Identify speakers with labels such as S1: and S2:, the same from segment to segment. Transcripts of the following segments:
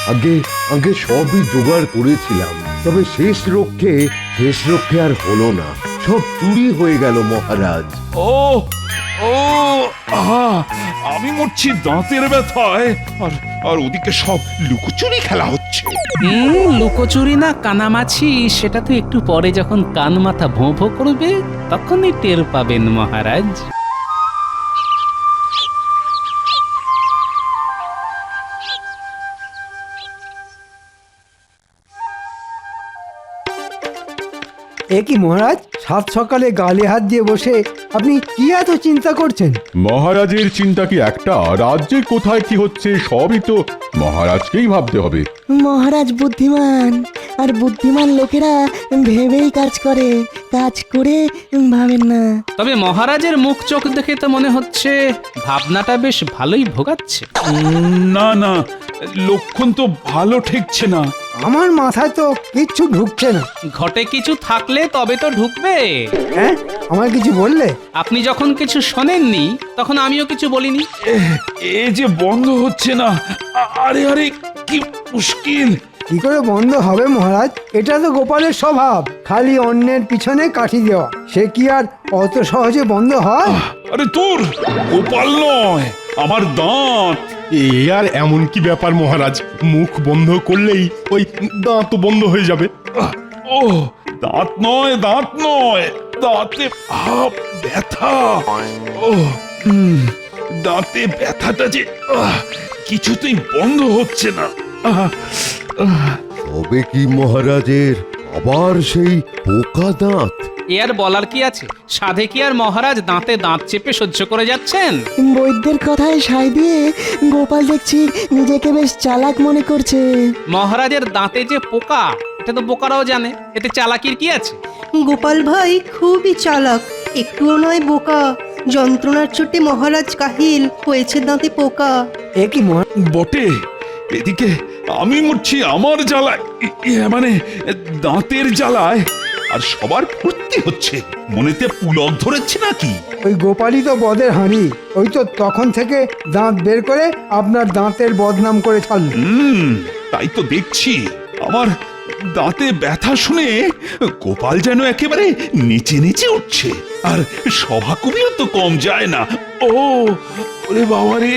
S1: আগে আগে সবই জোগাড় করেছিলাম, তবে শেষ রক্ষে আর হলো না। সব চুরি হয়ে গেল মহারাজ।
S2: ও ও আহা, আমি মরছি দাঁতের ব্যথায়, আর আর ওদিকে সব লুকোচুরি খেলা হচ্ছে।
S3: লুকোচুরি না কানামাছি সেটা তো একটু পরে যখন কান মাথা ভোঁ ভোঁ করবে তখনই টের পাবেন মহারাজ।
S4: এ কি মহারাজ, সাত সকালে গালে হাত দিয়ে বসে আপনি কি এত চিন্তা করছেন?
S5: মহারাজের চিন্তা কি একটা? রাজ্যে কোথায় কি হচ্ছে সবই তো মহারাজকেই ভাবতে হবে।
S6: মহারাজ বুদ্ধিমান, আর বুদ্ধিমান লোকেরা ভেবেই কাজ করে, কাজ করে ভাবেন না।
S3: তবে মহারাজের মুখ চোখ দেখে তো মনে হচ্ছে ভাবনাটা বেশ ভালোই ভোগাচ্ছে।
S2: না না, লক্ষণ তো ভালো ঠেকছে না।
S4: আমার মাথায় তো কিচ্ছু ঢুকছে না।
S3: ঘটে কিছু থাকলে তবে তো ঢুকবে।
S4: হ্যাঁ, আমার কিছু বললে?
S3: আপনি যখন কিছু শোনেননি তখন আমিও কিছু বলিনি।
S2: এ যে বন্ধ হচ্ছে না। আরে আরে, কি মুশকিল।
S4: কি করে বন্ধ হবে মহারাজ? এটা তো গোপালের স্বভাব, খালি অন্যের পিছনে কাঠি দেওয়া। সে কি আর অত সহজে বন্ধ হয়?
S2: আরে তোর গোপাল নয়, আমার দাঁত।
S5: এ আর এমন কি ব্যাপার মহারাজ, মুখ বন্ধ করলেই ওই দাঁত বন্ধ হয়ে যাবে।
S2: ও দাঁত নয়, দাঁত নয়, দাঁতে ব্যথা। ও দাঁতে ব্যথাটা যে কিছুতেই বন্ধ হচ্ছে না।
S1: তবে কি মহারাজের আবার সেই পোকা দাঁত?
S3: এ আর বলার কি আছে? সাধে কি আর মহারাজ দাঁতে দাঁত চেপে সহ্য করে যাচ্ছেন?
S6: বৈদ্যের কথায় সায় দিয়ে গোপাল দেখছি নিজেকে বেশ চালাক মনে করছে।
S3: মহারাজের দাঁতে যে পোকা এটা তো বোকারাও জানে, এতে চালাকির কি আছে?
S7: গোপাল ভাই খুবই চালাক, একটুও নয় বোকা। যন্ত্রণার চোটে মহারাজ কাহিল, হয়েছে দাঁতে পোকা।
S4: এ কি মহারাজ?
S2: বটে, এদিকে আমি মরছি আমার জ্বালায়, মানে দাঁতের জ্বালায়, আর সবার ফুর্তি হচ্ছে। মনেতে পুলক ধরেছে নাকি?
S4: ওই গোপালই তো বদের হাঁড়ি। ওই তো তখন থেকে দাঁত বের করে আপনার দাঁতের বদনাম করে ছাড়ল।
S2: তাই তো দেখছি। আমার দাঁতে ব্যথা শুনে গোপাল যেন একেবারে নিচে নিচে উঠছে, আর সভা কবিও তো কম যায় না। ও ওরে বাবারে,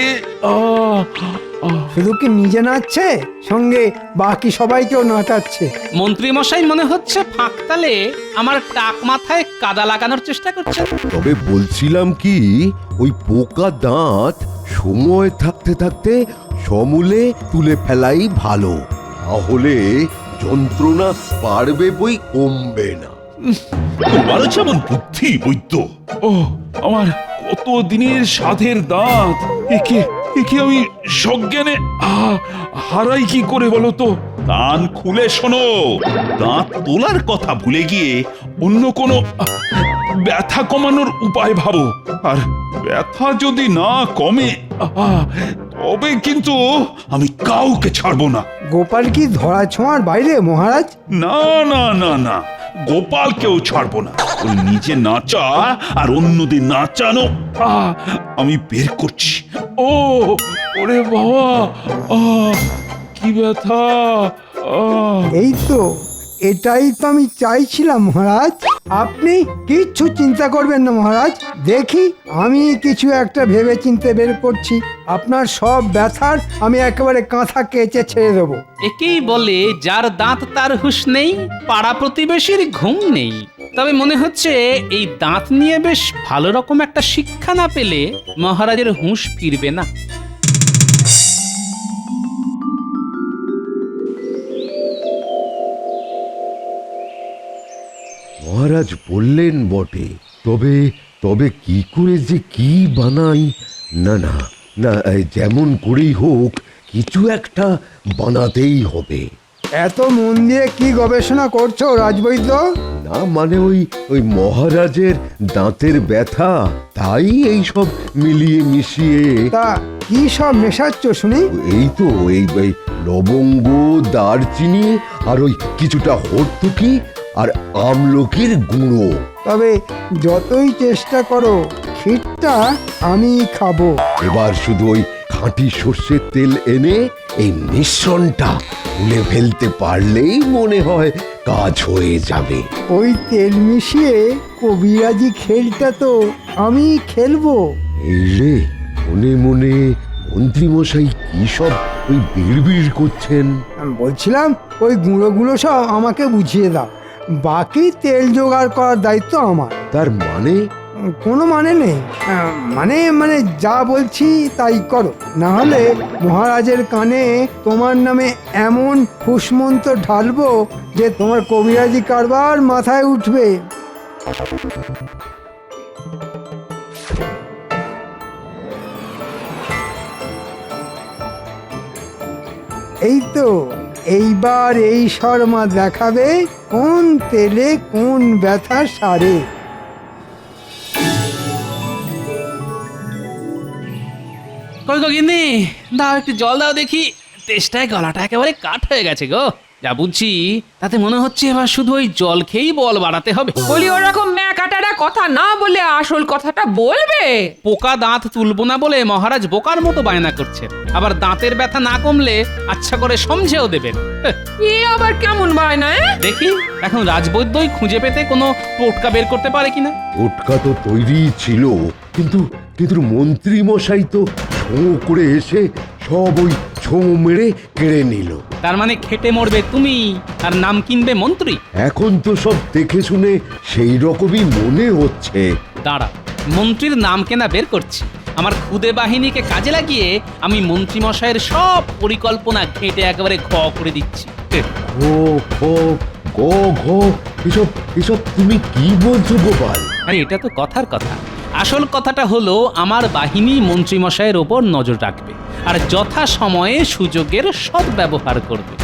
S4: শুধু কি নিজে নাচছে, সঙ্গে বাকি সবাইকেও নাচাচ্ছে।
S3: মন্ত্রী মশাই মনে হচ্ছে ফাঁকতালে আমার টাক মাথায় কাদা লাগানোর চেষ্টা করছে।
S1: তবে বলছিলাম কি, ওই পোকা দাঁত সময় থাকতে থাকতে সমূলে তুলে ফেলাই ভালো, তাহলে যন্ত্রণা পারবে বই কমবে না।
S2: তোমারও যেমন বুদ্ধি বৈদ্য। ও আমার কত দিনের সাধের দাঁত, একে একে আমি সজ্ঞানে হারাই কি করে বলো তো? কান খুলে শোনো, দাঁত তোলার কথা ভুলে গিয়ে অন্য কোনো ব্যথা কমানোর উপায় ভাবো। আর ব্যথা যদি না কমে তবে কিন্তু আমি কাউকে ছাড়বো না।
S4: গোপাল কি ধরা ছোঁয়ার বাইরে মহারাজ?
S2: না না না না, গোপালকেও ছাড়বো না। ওই নিজে নাচা আর অন্যদের নাচানো আমি বের করছি। ও ওরে বাবা, কি ব্যথা!
S4: এই তো, এটাই তো আমি চাইছিলাম মহারাজ। আপনি কিচ্ছু চিন্তা করবেন না মহারাজ, দেখি আমি কিছু একটা ভেবে চিন্তে বের করছি। আপনার সব ব্যথার আমি একেবারে কাঁথা কেচে ছেড়ে দেবো।
S3: একেই বলে যার দাঁত তার হুঁশ নেই, পাড়া প্রতিবেশীর ঘুম নেই। তবে মনে হচ্ছে এই দাঁত নিয়ে বেশ ভালো রকম একটা শিক্ষা না পেলে মহারাজের হুঁশ ফিরবে না।
S1: মহারাজ বললেন বটে, তবে তবে কি করে যে কি বানাই? না না না, যেমন করেই হোক কিছু একটা বানাতেই হবে।
S4: এত মন দিয়ে কি গবেষণা করছো রাজবৈদ্য?
S1: না মানে ওই ওই মহারাজের দাঁতের ব্যথা, তাই এই সব মিলিয়ে মিশিয়ে।
S4: তা কি সব মেশাচ্ছ শুনি?
S1: এই তো এই এই লবঙ্গ, দারচিনি আর ওই কিছুটা হর্তুকি আর আমলকির গুঁড়ো।
S4: তবে যতই চেষ্টা করো, ক্ষীরটা আমি খাবো।
S1: এবার শুধু ওই খাঁটি সর্ষের তেল এনে এই মিশ্রণটা তুলে ফেলতে পারলেই মনে হয় কাজ হয়ে যাবে।
S4: ওই তেল মিশিয়ে কবিরাজি খেলটা তো আমি খেলবো।
S1: এই রে, মনে মনে মন্ত্রীমশাই কি সব ওই বিড়বিড় করছেন।
S4: আমি বলছিলাম ওই গুঁড়োগুলো সব আমাকে বুঝিয়ে দাও, বাকি তেল জোগাড় করার দায়িত্ব আমার।
S1: তার মানে?
S4: কোনো মানে নেই, মানে মানে যা বলছি তাই করো, না হলে মহারাজের কানে তোমার নামে এমন ফুসমন্ত ঢালবো যে তোমার কবিরাজি কারবার মাথায় উঠবে। এই তো, এইবার এই শর্মা দেখাবে কোন তেলে কোন ব্যথা সারে।
S3: কই গো গিন্নি, দাও একটু জল দাও দেখি। তেষ্টায় গলাটা একেবারে কাঠ হয়ে গেছে গো। যা বুঝছি তাতে মনে হচ্ছে এবার শুধু ওই জল খেয়েই বল বাড়াতে হবে।
S8: বলি ওরকম ম্যাকাটারা কথা না বলে আসল কথাটা বলবে।
S3: পোকা দাঁত তুলবো না বলে মহারাজ বোকার মতো বায়না করছে, আবার দাঁতের ব্যথা না কমলে আচ্ছা করে সমঝেও দেবেন।
S8: এ আবার কেমন বায়না?
S3: দেখি এখন রাজবৈদ্যই খুঁজে পেতে কোনো টোটকা বের করতে পারে কিনা।
S1: ওটকা তো তৈরি ছিল, কিন্তু কিন্তু মন্ত্রী মশাই তো ছোঁ করে এসে সব ওই ছোঁ মেরে কেড়ে নিল।
S3: তার মানে খেটে মরবে তুমি আর নাম কিনবে মন্ত্রী।
S1: এখন তো সব দেখে শুনে সেই রকমই মনে হচ্ছে।
S3: দাঁড়া, মন্ত্রীর নাম কেনা বের করছি। আমার খুদে বাহিনীকে কাজে লাগিয়ে আমি মন্ত্রী মশাইয়ের সব পরিকল্পনা ঘেঁটে একেবারে ঘ করে দিচ্ছি।
S1: ঘো ঘো গো ঘো, এসব এসব তুমি কি বলছো গোপাল?
S3: আরে এটা তো কথার কথা। আসল কথাটা হলো আমার বাহিনী মন্ত্রী মশাইয়ের ওপর নজর রাখবে আর যথা সময়ে সুযোগের সদ্ব্যবহার করবে।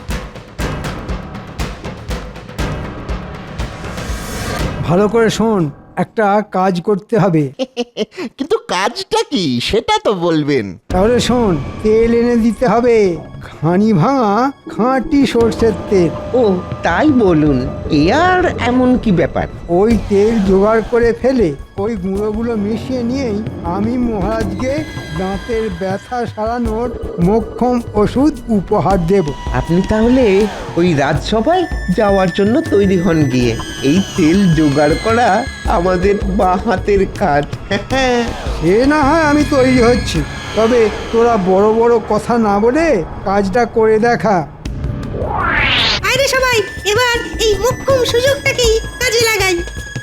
S4: ভালো করে শোন, একটা কাজ করতে হবে।
S9: কিন্তু কাজটা কি সেটা তো বলবেন।
S4: তাহলে শোন, তেল এনে দিতে হবে, ঘানি ভাঙা খাঁটি সর্ষের তেল।
S9: ও তাই বলুন, এ আর এমন কি ব্যাপার?
S4: ওই তেল জোগাড় করে ফেলে ওই গুঁড়োগুলো মিশিয়ে নিয়েই আমি মহারাজকে দাঁতের ব্যথা সারানোর মোক্ষম ওষুধ উপহার দেব।
S9: আপনি তাহলে ওই রাজসভায় যাওয়ার জন্য তৈরি হন গিয়ে। এই তেল জোগাড় করা আমাদের বাঁ হাতের কাজ।
S4: সে না হয় আমি তৈরি হচ্ছি, তবে তোরা বড় বড় কথা না বলে কাজটা করে দেখা।
S7: আরে সবাই এবার এই মোক্ষম সুযোগটাকেই কাজে লাগাই।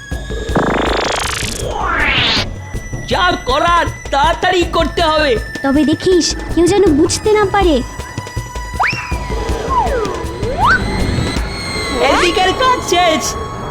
S10: যা করার তাড়াতাড়ি করতে হবে।
S11: তবে দেখিস কেউ যেন বুঝতে না পারে।
S10: এদিকের কাজ শেষ।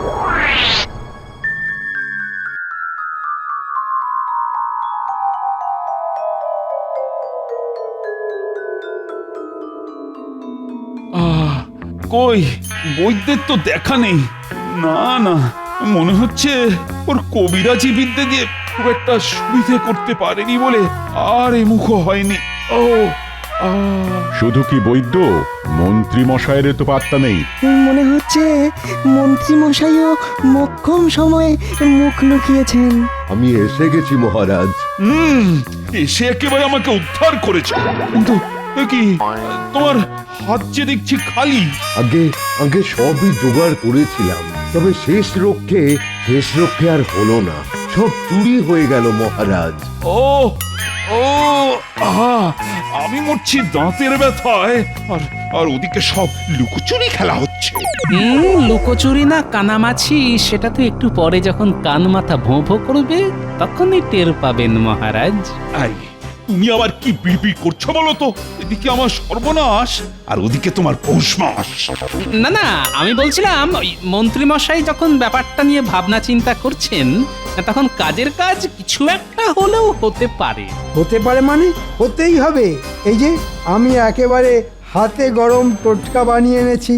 S2: কই বৈদ্যের তো দেখা নেই। না না, মনে হচ্ছে ওর কবিরাজি বিদ্যে দিয়ে খুব একটা সুবিধে করতে পারেনি বলে আর এ মুখো হয়নি। ও
S5: শুধু কি বৈদ্য, মন্ত্রী মশাইয়ের তো পাত্তা নেই।
S6: মনে হচ্ছে মন্ত্রী মশাইও মোক্ষম সময়ে মুখ লুকিয়েছেন।
S1: আমি এসে গেছি মহারাজ।
S2: এসে একেবারে আমাকে উদ্ধার করেছে। কিন্তু এ কি, তোমার হাত যে দেখছি খালি।
S1: আগে আগে সবই জোগাড় করেছিলাম, তবে শেষ রক্ষে আর হলো না, সব চুরি হয়ে গেল মহারাজ।
S2: ও ও আহা, আমি মরছি দাঁতের ব্যথায়, আর আর ওদিকে সব লুকোচুরি খেলা হচ্ছে।
S3: লুকোচুরি না কানামাছি সেটা তো একটু পরে যখন কান মাথা ভোঁ ভোঁ করবে তখনই টের পাবেন মহারাজ।
S2: আই, তুমি আবার কি বিড়বিড় করছো বলো তো? এদিকে আমার সর্বনাশ আর ওদিকে তোমার পৌষ মাস।
S3: না না, আমি বলছিলাম ওই মন্ত্রী মশাই যখন ব্যাপারটা নিয়ে ভাবনা চিন্তা করছেন তখন কাজের কাজ কিছু একটা হলেও হতে পারে।
S4: হতে পারে মানে হতেই হবে। এই যে আমি একেবারে হাতে গরম টোটকা বানিয়ে এনেছি।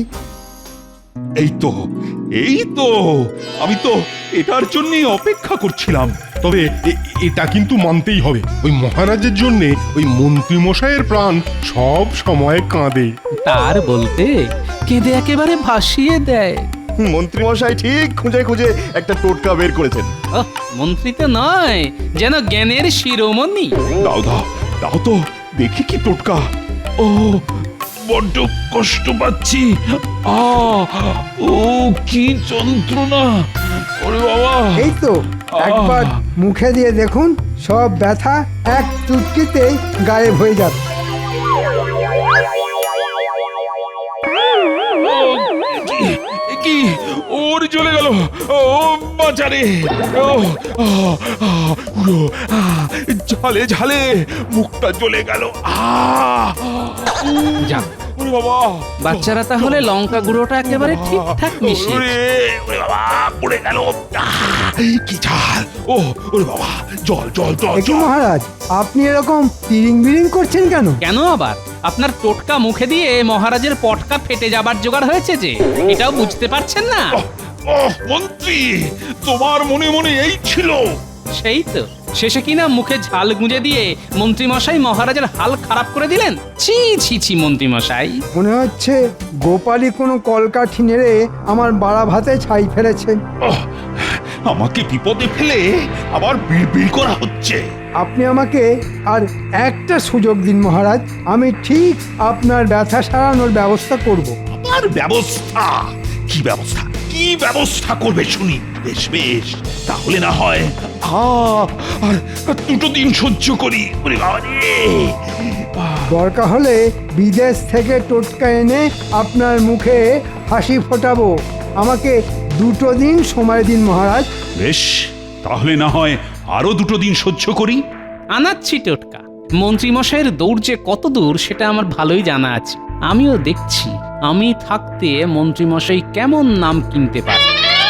S2: এই তো আমি তো এটার জন্যই অপেক্ষা করছিলাম।
S12: তবে এটা কিন্তু মানতেই হবে, ওই মহারাজের জন্য ওই মন্ত্রী মশাইয়ের প্রাণ সব সময় কাঁদে।
S3: তার বলতে কেঁদে একেবারে ভাসিয়ে দেয়।
S12: মন্ত্রী মশাই ঠিক খুঁজে খুঁজে একটা টোটকা বের করেছেন।
S3: মন্ত্রী তো নয়, যেন জ্ঞানের শিরোমণি।
S2: দাও দাও দাও তো দেখি কি টোটকা। ও বড্ড কষ্ট পাচ্ছি। ও কি যন্ত্রণা! ওরে বাবা!
S4: এই তো একবার মুখে দিয়ে দেখুন, সব ব্যথা এক চুটকিতে গায়েব হয়ে যাবে।
S2: কি ওর চলে গেল! ও বাঁচারে! ও ঝালে ঝালে মুখটা জ্বলে গেল।
S3: যাক,
S2: ওরে বাবা!
S3: বাচ্চারা তাহলে লঙ্কা গুঁড়োটা একেবারে ঠিকঠাক মিশিয়ে
S2: ওরে বাবা, পড়ে গেল। কি ঝাল! ওরে বাবা, জল জল জল
S4: একই মহারাজ, আপনি এরকম তিরিং বিরিং করছেন কেন?
S3: কেন আবার? আপনার টোটকা মুখে দিয়ে মহারাজের পটকা ফেটে যাবার জোগাড় হয়েছে যে, এটাও বুঝতে পারছেন না?
S2: মন্ত্রী, তোমার মনে মনে এই ছিল?
S3: সেই তো, শেষে কিনা মুখে ঝাল গুঁজে দিয়ে মন্ত্রী মশাই মহারাজের হাল খারাপ করে দিলেন। ছি ছি ছি মন্ত্রী মশাই!
S4: মনে হচ্ছে গোপালই কোনো কলকাঠি নেড়ে আমার বাড়া ভাতে ছাই ফেলেছে।
S2: আমাকে বিপদে ফেলে আবার বিড়বিড় করা হচ্ছে।
S4: আপনি আমাকে আর একটা সুযোগ দিন মহারাজ, আমি ঠিক আপনার ব্যথা সারানোর ব্যবস্থা করব।
S2: আমার ব্যবস্থা? কি ব্যবস্থা? কি ব্যবস্থা করবে শুনি? বেশ বেশ, তাহলে না হয় আর 2 দিন সহ্য করি। ওরে বাবা রে!
S4: দরকার হলে বিদেশ থেকে টোটকা এনে আপনার মুখে হাসি ফোটাবো। আমাকে 2 দিন সময় দিন মহারাজ।
S2: বেশ, তাহলে না হয় আরো 2 দিন সহ্য করি।
S3: আনাচ্ছি টোটকা। মন্ত্রী মশাইয়ের দৌড় যে কত দূর সেটা আমার ভালোই জানা আছে। আমিও দেখছি আমি থাকতে মন্ত্রী মশাই কেমন নাম কিনতে পারে।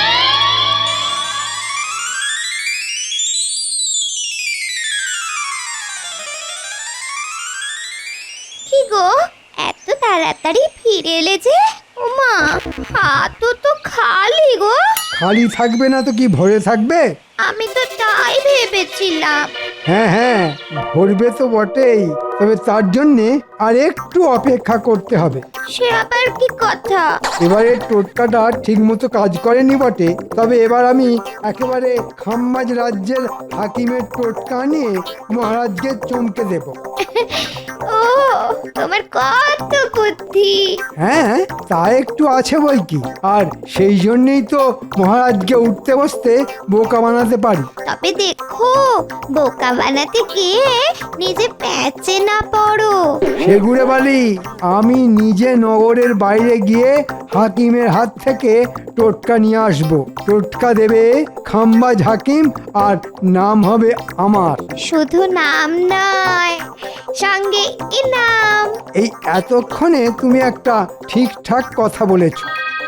S11: কি গো, এত তাড়াতাড়ি ফিরে এলে যে? ওমা, হাতও তো খালি গো।
S4: খালি থাকবে না তো কি ভরে থাকবে?
S11: আমি তো তাই ভেবেছিলাম।
S4: হ্যাঁ হ্যাঁ, ভরবে তো বটেই, তবে তার জন্যে আর একটু অপেক্ষা করতে হবে।
S11: সে আবার কি কথা?
S4: এবারে টোটকাটা ঠিক মতো কাজ করেনি বটে, তবে এবার আমি একেবারে খাম্বাজ রাজ্যের হাকিমের টোটকা নিয়ে মহারাজকে চমকে দেব।
S11: ও, তোমার কত বুদ্ধি!
S4: হ্যাঁ, তা একটু আছে বই কি, আর সেই জন্যই তো মহারাজকে উঠতে বসতে বোকা বানাতে পারি।
S11: তবে দেখো, বোকা বানাতে গিয়ে নিজে প্যাচে না পড়ো।
S4: সেগুড়ে বালি, আমি নিজে নগরের বাইরে গিয়ে হাকিমের হাত থেকে টোটকা নিয়ে আসবো। টোটকা দেবে খাম্বাজ হাকিম, আর নাম হবে আমার।
S11: শুধু নাম নয়, সঙ্গে ইনাম।
S4: এই এতক্ষণে তুমি একটা ঠিকঠাক কথা বলেছো।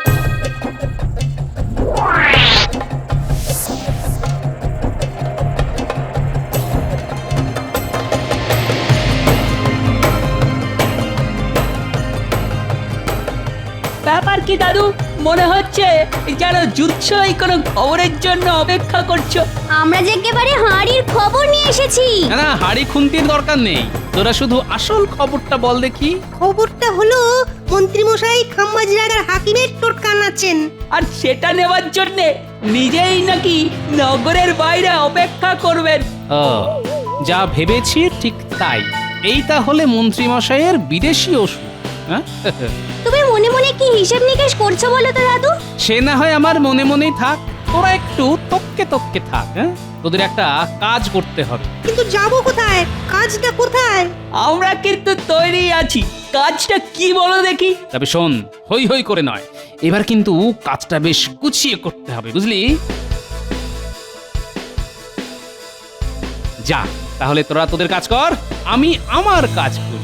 S10: ব্যাপার কি দাদু? মনে হচ্ছে যেন যুদ্ধই কোনো খবরের জন্য অপেক্ষা করছো।
S11: আমরা যে একেবারে হাঁড়ির খবর নিয়ে এসেছি।
S3: না না, হাড়ি খুন্তির দরকার নেই, তোরা শুধু আসল খবরটা বল দেখি।
S7: খবরটা হলো মন্ত্রীমশাই খাম্বাজ রাজার হাকিমের টোটকা নাচেন।
S10: আর সেটা নেওয়ার জন্য নিজেই নাকি নগরের বাইরে অপেক্ষা করবেন।
S3: ও, যা ভেবেছি ঠিক তাই। এই তাহলে মন্ত্রী মশাইয়ের বিদেশি ওষুধ। হ্যাঁ,
S11: তুমি মনে মনে কি হিসেব নিকেশ করছো বলো তো দাদু?
S3: সে না হয় আমার মনে মনেই থাক, তোরা একটু তককে তককে থাক। হ্যাঁ, তোদের একটা কাজ করতে হবে।
S7: কিন্তু যাবো কোথায়? কাজটা কোথায়?
S10: আমরা কিন্তু তৈরি আছি। কাজটা কি বলো দেখি?
S3: তবে শোন, হই হই করে নয়, এবার কিন্তু কাজটা বেশ গুছিয়ে করতে হবে, বুঝলি? যা, তাহলে তোরা তোদের কাজ কর, আমি আমার কাজ করি।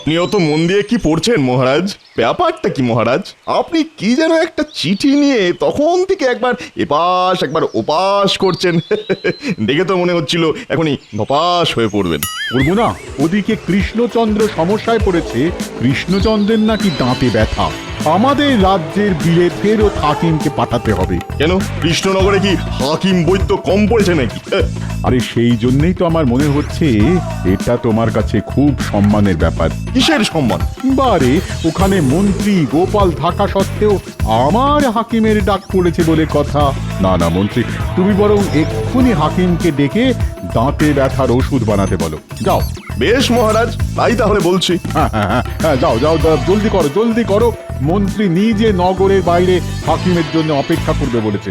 S13: আপনিও তো মন দিয়ে কি পড়ছেন মহারাজ? ব্যাপারটা কি মহারাজ? আপনি কি যেন একটা চিঠি নিয়ে তখন থেকে একবার এপাশ একবার ওপাশ করছেন। দেখে তো মনে হচ্ছিল এখনই ধপাস হয়ে পড়বেন।
S5: বলবো না, ওদিকে কৃষ্ণচন্দ্র সমস্যায় পড়েছে। কৃষ্ণচন্দ্রের নাকি দাঁতে ব্যথা। আমাদের রাজ্যের বিলে ফেরত হাকিমকে পাঠাতে হবে।
S13: কেন, কৃষ্ণনগরে কি হাকিম বৈদ্য কম পড়েছে নাকি?
S5: আরে সেই জন্যই তো আমার মনে হচ্ছে এটা তোমার কাছে খুব সম্মানের ব্যাপার।
S13: কিসের সম্মান?
S5: বারে ওখানে মন্ত্রী গোপাল থাকা সত্ত্বেও আমার হাকিমের ডাক পড়েছে বলে কথা। না না মন্ত্রী, তুমি বরং এক্ষুনি হাকিমকে ডেকে দাঁতে ব্যথার ওষুধ বানাতে বলো। যাও।
S13: বেশ মহারাজ, তাই তাহলে বলছি।
S5: হ্যাঁ, যাও যাও, জলদি করো জলদি করো। মন্ত্রী নিজে নগরের বাইরে হাকিমের জন্য অপেক্ষা করবে বলেছে।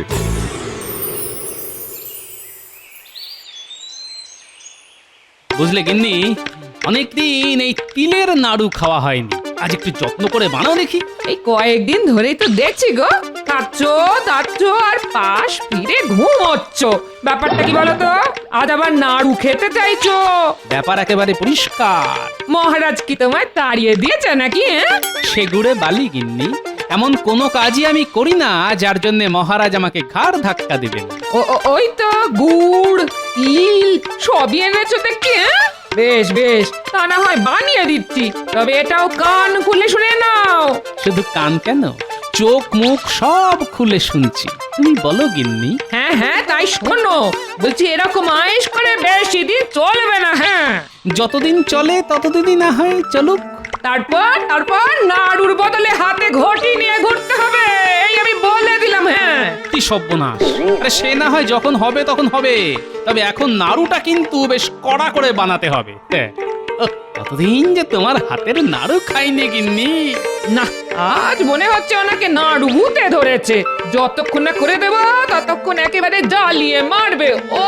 S3: বুঝলে গিন্নি, অনেকদিন এই তিলের নাড়ু খাওয়া হয়নি। আজ একটু যত্ন করে বানাও দেখি।
S8: এই কয়েকদিন ধরেই তো দেখছি গো, খাচ্ছ দাচ্ছ আর পাশ ফিরে ঘুমোচ্ছ। ব্যাপারটা কি বলো তো? আজ আবার নাড়ু খেতে চাইছো?
S3: ব্যাপার একেবারে পরিষ্কার।
S8: মহারাজ কি তোমায় তাড়িয়ে দিয়েছে নাকি?
S3: সেগুড়ে বালি গিন্নি, এমন কোনো কাজই আমি করি না যার জন্য মহারাজ আমাকে ঘাড় ধাক্কা দিবেন।
S8: ওই তো গুড় তিল সবই এনেছো দেখছি। বেশ বেশ, তা না হয় বানিয়ে দিচ্ছি, তবে এটাও কান খুলে শুনে নাও।
S3: শুধু কান কেন, চোখ মুখ সব খুলে শুনছি। তুমি বলো গিন্নি।
S8: হ্যাঁ হ্যাঁ, তাই শোনো। বলছি এরকম আয়েশ করে বেশি দিন চলবে না। হ্যাঁ,
S3: যতদিন চলে ততদিনই না হয় চলুক।
S8: তারপর নাড়ুর বদলে হাতে ঘটি নিয়ে ঘুরতে হবে, এই আমি বলে দিলাম। হ্যাঁ,
S3: কি সর্বনাশ! আরে সে না হয় যখন হবে তখন হবে, তবে এখন নাড়ুটা কিন্তু বেশ কড়া করে বানাতে হবে। কতদিন যে তোমার হাতের নাড়ু খাইনি গিন্নি।
S8: না, আজ মনে হচ্ছে ওনাকে নাড়ু ভূতে ধরেছে। যতক্ষণ না করে দেবো ততক্ষণ একেবারে জ্বালিয়ে মারবে। ও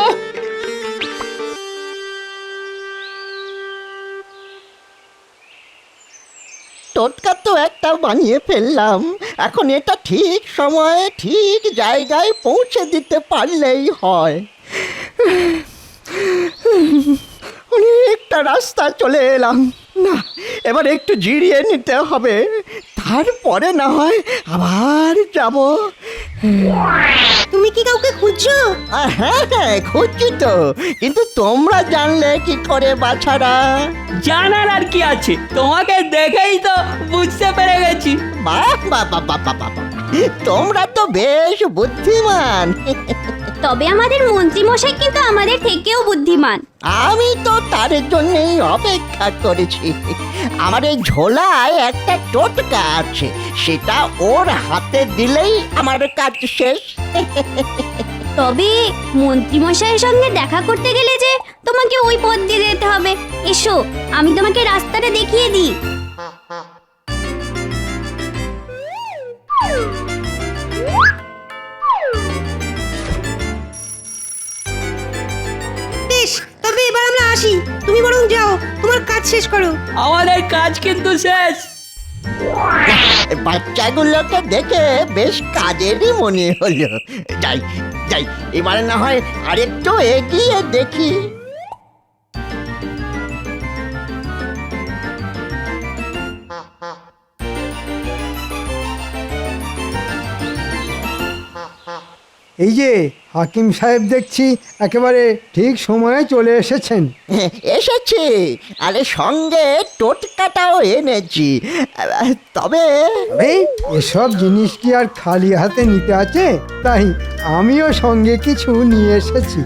S6: টোটকা তো একটা বানিয়ে ফেললাম, এখন এটা ঠিক সময়ে ঠিক জায়গায় পৌঁছে দিতে পারলেই হয়। অনেকটা রাস্তা চলে এলাম, না এবার একটু জিরিয়ে নিতে হবে, তারপরে না হয় আবার যাব।
S7: তুমি কি কাউকে খুঁজছো?
S6: হ্যাঁ হ্যাঁ খুঁজছি তো, কিন্তু তোমরা জানলে কি করে বাছারা?
S10: জানার আর কি আছে, তোমাকে দেখেই তো বুঝতে পেরে গেছি।
S6: বাহ বাহ বাহ বাহ বাহ বাহ, তোমরা তো বেশ বুদ্ধিমান।
S11: তবে আমাদের মন্ত্রী মশাই কিন্তু আমাদের থেকেও বুদ্ধিমান।
S6: আমি তো তার জন্যই অপেক্ষা করেছি। আমার এই ঝোলায় একটা টোটকা আছে, সেটা ওর হাতে দিলেই আমার কাজ শেষ।
S11: তবে মন্ত্রী মশাইয়ের সঙ্গে দেখা করতে গেলে যে তোমাকে ওই পথ দিয়ে যেতে হবে। এসো, আমি তোমাকে রাস্তাটা দেখিয়ে দিই।
S7: বেশ, তবে এবার আমরা আসি। তুমি বরং যাও, তোমার কাজ শেষ করো।
S10: আমাদের কাজ কিন্তু শেষ।
S6: বাচ্চাগুলোকে দেখে বেশ কাজেরই মনে হলো। যাই যাই, এবারে না হয় আরেকটু এগিয়ে দেখি।
S4: এই যে হাকিম সাহেব দেখছি একেবারে ঠিক সময়ে চলে এসেছেন।
S6: এসেছি, আরে সঙ্গে টোটকাটাও এনেছি। তবে
S4: এসব জিনিস কি আর খালি হাতে নিতে আছে? তাই আমিও সঙ্গে কিছু নিয়ে এসেছি।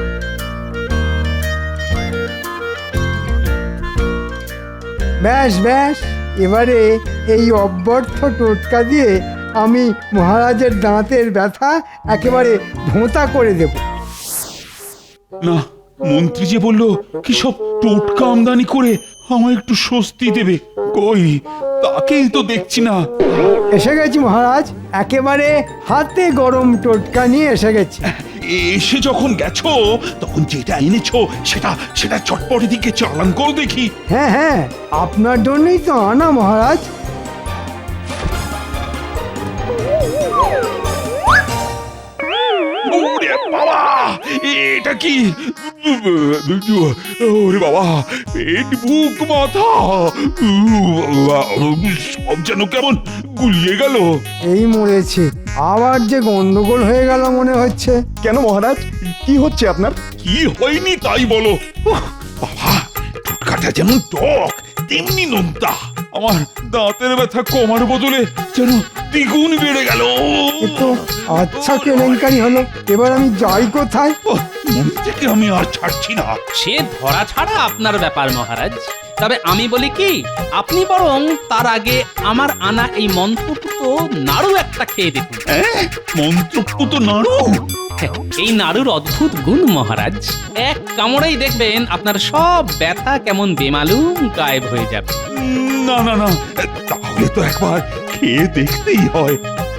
S4: ব্যাস ব্যাস, এবারে এই অব্যর্থ টোটকা দিয়ে আমি মহারাজের দাঁতের ব্যথা একেবারে ভোঁতা করে দেব।
S2: না, মন্ত্রী যে বললো কি সব টোটকা আমদানি করে আমার একটু স্বস্তি দেবে, কই তাকেই তো দেখছি না।
S4: এসে গেছি মহারাজ, একেবারে হাতে গরম টোটকা নিয়ে এসে গেছি।
S2: এসে যখন গেছো তখন যেটা এনেছো সেটা সেটা চটপটে দিকে চালান করো দেখি।
S4: হ্যাঁ হ্যাঁ, আপনার জন্যই তো আনা মহারাজ।
S2: ওরে বাবা, এটা কি? ওরে বাবা, পেট, বুক, মাথা সব যেন কেমন গুলিয়ে গেল।
S4: এই মরেছে, আবার যে গন্ডগোল হয়ে গেল মনে হচ্ছে।
S13: কেন মহারাজ, কি হচ্ছে আপনার?
S2: কি হয়নি তাই বলো। উহ, বাবা, টোটকাটা যেমন টক তেমনি নোনতা। আমার দাঁতের ব্যথা কমার বদলে যেন দ্বিগুণ বেড়ে গেল।
S4: এ তো আচ্ছা কেলেঙ্কারি হলো, এবার আমি যাই কোথায়?
S2: মন থেকে আমি আর ছাড়ছি না।
S3: সে ধরা ছাড়া আপনার ব্যাপার মহারাজ। তবে আমি বলি কি, আপনি বরং তার আগে আমার আনা এই মন্ত্রপুত নাড়ু একটা খেয়ে দেখুন।
S2: মন্ত্রপুত নাড়ু?
S3: এই নাড়ুর অদ্ভুত গুণ মহারাজ, এক কামড়েই দেখবেন আপনার সব ব্যথা কেমন বেমালুম গায়েব হয়ে যাবে।
S2: না না না, তাহলে তো একবার খেয়ে দেখতেই হয়।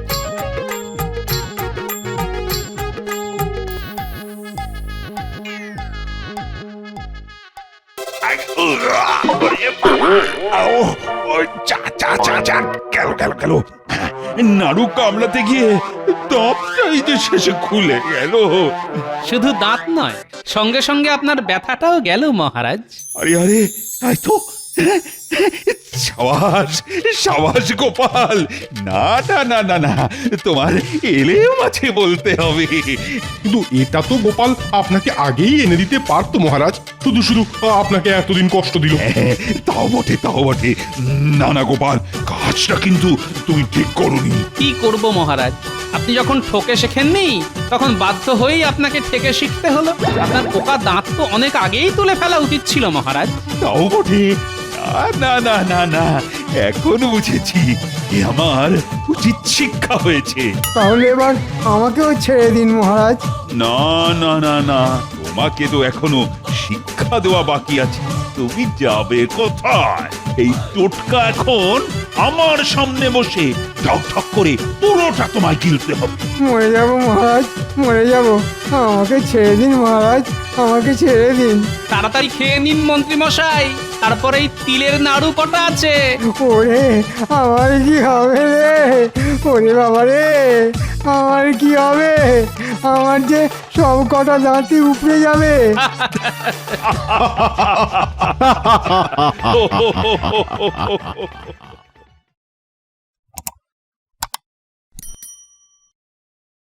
S2: গেল নাড়ু কামড়াতে গিয়ে দাঁতটাই যে শেষে খুলে গেল।
S3: শুধু দাঁত নয়, সঙ্গে সঙ্গে আপনার ব্যথাটাও গেল মহারাজ।
S2: আরে আরে, তাই তো। সাবাস সাবাস গোপাল। না না না না না, তোমার এলেও মাঝে বলতে হবে।
S12: কিন্তু এটা তো গোপাল আপনাকে আগেই এনে দিতে পারতো মহারাজ, শুধু শুধু আপনাকে এতদিন কষ্ট দিল।
S2: তাও বটে তাও বটে। না না গোপাল, কাজটা কিন্তু তুমি ঠিক করোনি।
S3: কি করব মহারাজ, আপনি যখন ঠকে শেখেননি তখন বাধ্য হয়েই আপনাকে ঠেকে শিখতে হলো। আপনার পোকা দাঁত তো অনেক আগেই তুলে ফেলা উচিত ছিল মহারাজ।
S2: তাও বটে। না না না না, এখন বুঝেছি এ আমার উচিত শিক্ষা হয়েছে।
S4: তাহলে এবার আমাকেও ছেড়ে দিন মহারাজ।
S2: না না না না, তোমাকে তো এখনো শিক্ষা দেওয়া বাকি আছে। তুমি যাবে কোথায়? এই টোটকা এখন আমার সামনে বসে ঠক ঠক করে পুরোটা তোমায় গিলতে হবে।
S4: মরে যাব মহারাজ, মরে যাব। আমাকে ছেড়ে দিন মহারাজ, আমাকে ছেড়ে দিন।
S3: তাড়াতাড়ি খেয়ে নিন মন্ত্রী মশাই, তারপরে এই তিলের নাড়ু কটা আছে।
S4: ওরে আমার কি হবে রে? ওরে বাবা রে, আমার কি হবে? আমার যে সব কটা দাঁতই উপড়ে যাবে।
S2: হো হো হো হো হো হো।